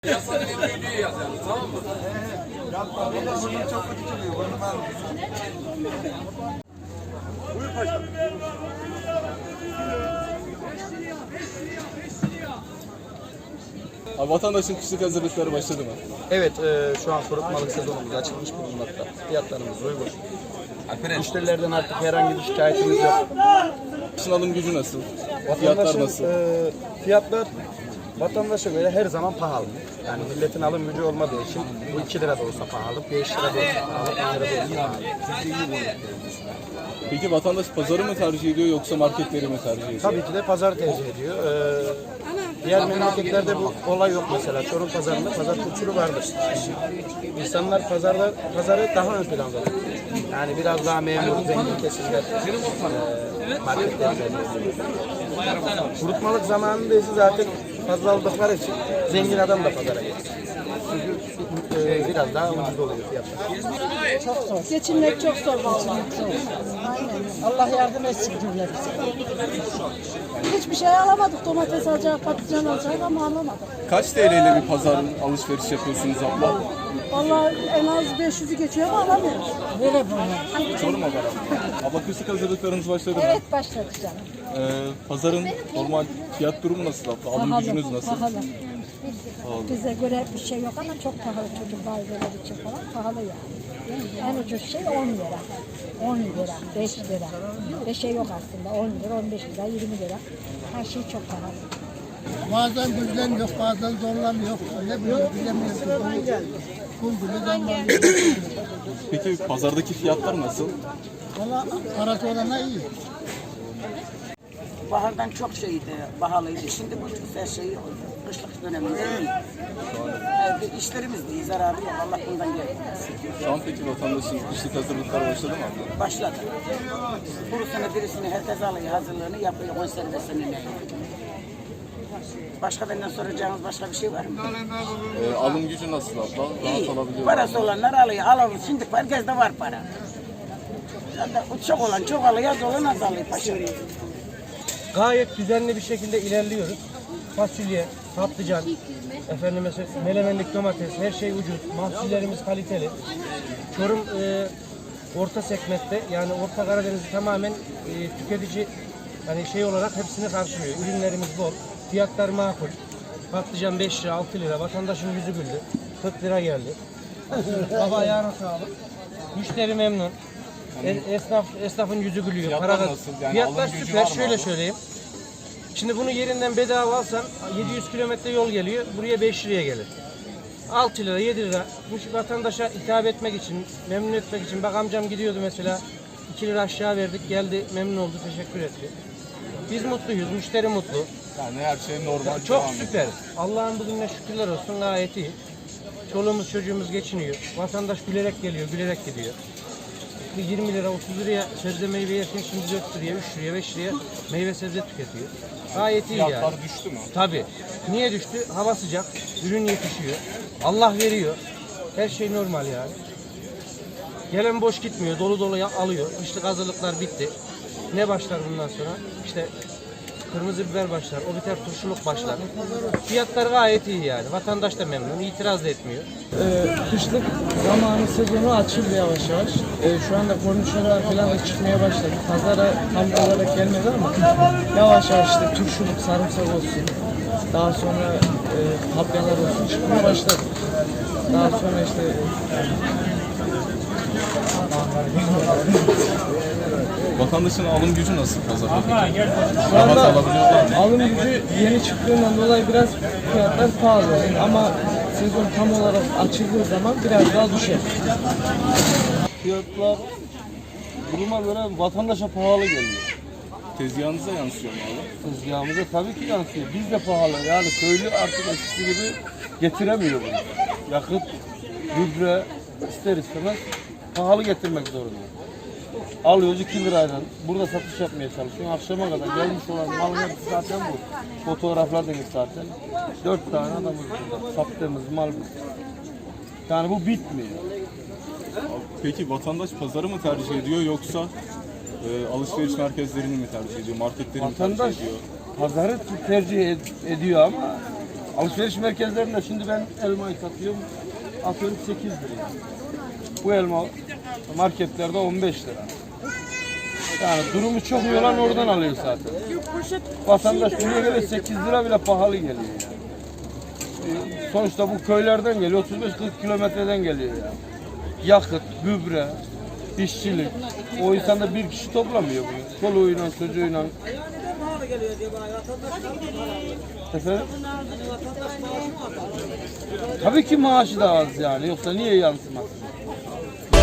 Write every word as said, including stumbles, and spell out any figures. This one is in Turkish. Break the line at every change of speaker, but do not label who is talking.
Yasanın videoyu yazalım, tamam mı?
Yapma, bir de burnum çok kötü çıkıyor. Burnum ağrıyor.
Buyur paşam.
Abi vatandaşın kışlık hazırlıkları başladı mı?
Evet, e, şu an kurutmalık sezonumuz açılmış bulunmakta. Fiyatlarımız uygun. Müşterilerden artık herhangi bir şikayetimiz yok.
Kışın alım gücü nasıl? Fiyatlar
Vatandaşın
nasıl?
e, fiyatlar vatandaşa göre her zaman pahalı. Yani milletin alım gücü olmadığı için bu iki lira da olsa pahalı, beş lira da olsa pahalı, on lira da olsa pahalı.
Peki vatandaş pazarı mı tercih ediyor yoksa marketleri mi tercih ediyor?
Tabii ki de pazar tercih ediyor. Ee, diğer memleketlerde bu olay yok mesela. Çorum pazarında pazar kültürü vardır. İnsanlar pazarda pazarı daha ön planda tutuyor. Yani biraz daha memur, zengin kesimler e, marketleri tercih ediyor. Kurutmalık zamanında ise zaten fazla aldıkları için zengin adam da pazara geliyor. Çünkü e, biraz daha ucuz oluyor fiyatlar.
Çok zor. Geçinmek çok zor. Geçinmek zor. Aynen. Allah yardım etsin cümlemize. Hiçbir şey alamadık. Domates alacak, patlıcan alacak ama alamadık.
Kaç T L ile bir pazar alışveriş yapıyorsunuz abla?
Vallahi en az beş yüzü geçiyor ama alamıyoruz. Böyle böyle.
Çorum haber abla. Abla kışlık hazırlıklarınız başladı mı?
Evet başladı canım.
Ee, pazarın normal fiyat durumu nasıl abla? Alım gücünüz nasıl?
Pahalı.
Pahalı.
Bize göre bir şey yok ama çok pahalı çocuk aileler için falan pahalı yani. En ucuz şey on lira. on lira, beş lira. Beşe yok aslında. on lira, on beş lira, yirmi lira. Her şey çok pahalı.
Bazen güzel yok, bazen zorlanıyor. Öyle bir bilemiyoruz. Kum gibi zamlanıyor.
Peki pazardaki fiyatlar nasıl?
Valla parası olana iyi.
Bahardan çok şeydi, pahalıydı. Şimdi bu her şey kışlık döneminde iyi. Evet, işlerimiz de iyi, zararı yok. Allah bundan gelmesin.
Şu an peki vatandaşın kışlık hazırlıkları başladı mı abla?
Başladı. Kurusunu, dirisini herkes alıyor, hazırlığını yapıyor, konservesini ne? Başka benden soracağınız başka bir şey var mı?
Ee, alım gücü nasıl abla? Rahat
İyi.
alabiliyor
Parası
musunuz?
olanlar alıyor, alalım. Şimdi herkeste var para. Zaten çok olan çok alıyor, az olan az alıyor paşa.
Gayet düzenli bir şekilde ilerliyoruz. Fasulye, patlıcan, efendime söyleyeyim, melemenlik domates, her şey ucuz. Mahsullerimiz kaliteli. Çorum e, orta segmentte, yani Orta Karadeniz'i tamamen e, tüketici hani şey olarak hepsini karşılıyor. Ürünlerimiz bol, fiyatlar makul. Patlıcan beş lira, altı lira, vatandaşın yüzü güldü. kırk lira geldi. Baba ayağına sağlık. Müşteri memnun. E- Esnaf, esnafın yüzü gülüyor.
Fiyatlar
Para kaz-
nasıl? Yani
Fiyatlar
alım gücü
süper.
var mı
Şöyle
abi?
söyleyeyim. Şimdi bunu yerinden bedava alsan yedi yüz kilometre yol geliyor. Buraya beş liraya gelir. altı lira, yedi lira. Bu vatandaşa hitap etmek için, memnun etmek için. Bak amcam gidiyordu mesela. iki lira aşağı verdik. Geldi, memnun oldu, teşekkür etti. Biz mutluyuz, müşteri mutlu.
Yani her şey normal
Çok
devam ediyor.
süper. Allah'ın bugününe şükürler olsun, gayet iyi. Çoluğumuz çocuğumuz geçiniyor. Vatandaş gülerek geliyor, gülerek gidiyor. yirmi lira, otuz liraya sebze meyve yerken şimdi dört liraya, üç liraya, beş liraya meyve sebze tüketiyor. Gayet iyi
Fiyatlar
yani.
düştü mü?
Tabii. Niye düştü? Hava sıcak, ürün yetişiyor. Allah veriyor. Her şey normal yani. Gelen boş gitmiyor, dolu dolu ya- alıyor. Kışlık hazırlıklar bitti. Ne başlar bundan sonra? İşte kırmızı biber başlar, o biter turşuluk başlar. Fiyatlar gayet iyi yani. Vatandaş da memnun, itiraz da etmiyor.
Ee, kışlık zamanı sezonu açıldı yavaş yavaş. Ee, şu anda kornişonlar falan da çıkmaya başladı. Pazara tam olarak gelmedi ama yavaş yavaş işte turşuluk, sarımsak olsun. Daha sonra e, papyalar olsun çıkmaya başladı. Daha sonra işte
Vatandaşın alım gücü nasıl pazarda? peki?
şu
Rahat
anda
alabiliyorlar mı?
alım gücü yeni çıktığından dolayı biraz fiyatlar pahalı. Ama sezon tam olarak açıldığı zaman biraz daha düşer.
Fiyatlar duruma göre vatandaşa pahalı geliyor.
Tezgahınıza yansıyor mu abi?
Tezgahımıza tabii ki yansıyor. Biz de pahalı. Yani köylü artık eskisi gibi getiremiyor bunu. Yakıt, gübre ister istemez pahalı getirmek zorunda. Alıyoruz iki lirayla. Burada satış yapmaya çalışıyor. Akşama kadar gelmiş olan malın hepsi zaten bu. Fotoğraflardınız zaten. Dört tane adamız burada. Sattığımız mal bu. Yani bu bitmiyor.
Peki vatandaş pazarı mı tercih ediyor yoksa e, alışveriş merkezlerini mi tercih ediyor, marketleri mi
Vatandaş
tercih ediyor?
pazarı tercih ed- ediyor ama Alışveriş merkezlerinde şimdi ben elmayı satıyorum. Atıyorum sekiz lira. Bu elma marketlerde on beş lira. Yani durumu çok iyi olan oradan alıyor zaten. Vatandaş buraya göre sekiz lira bile pahalı geliyor yani. Ee, Sonuçta bu köylerden geliyor, otuz beş kırk kilometreden geliyor yani. Yakıt, gübre, işçilik. O insan da bir kişi toplamıyor bunu. Çoluğuyla, çocuğuyla. Efendim? Tabii ki maaşı da az yani. Yoksa niye yansımaz?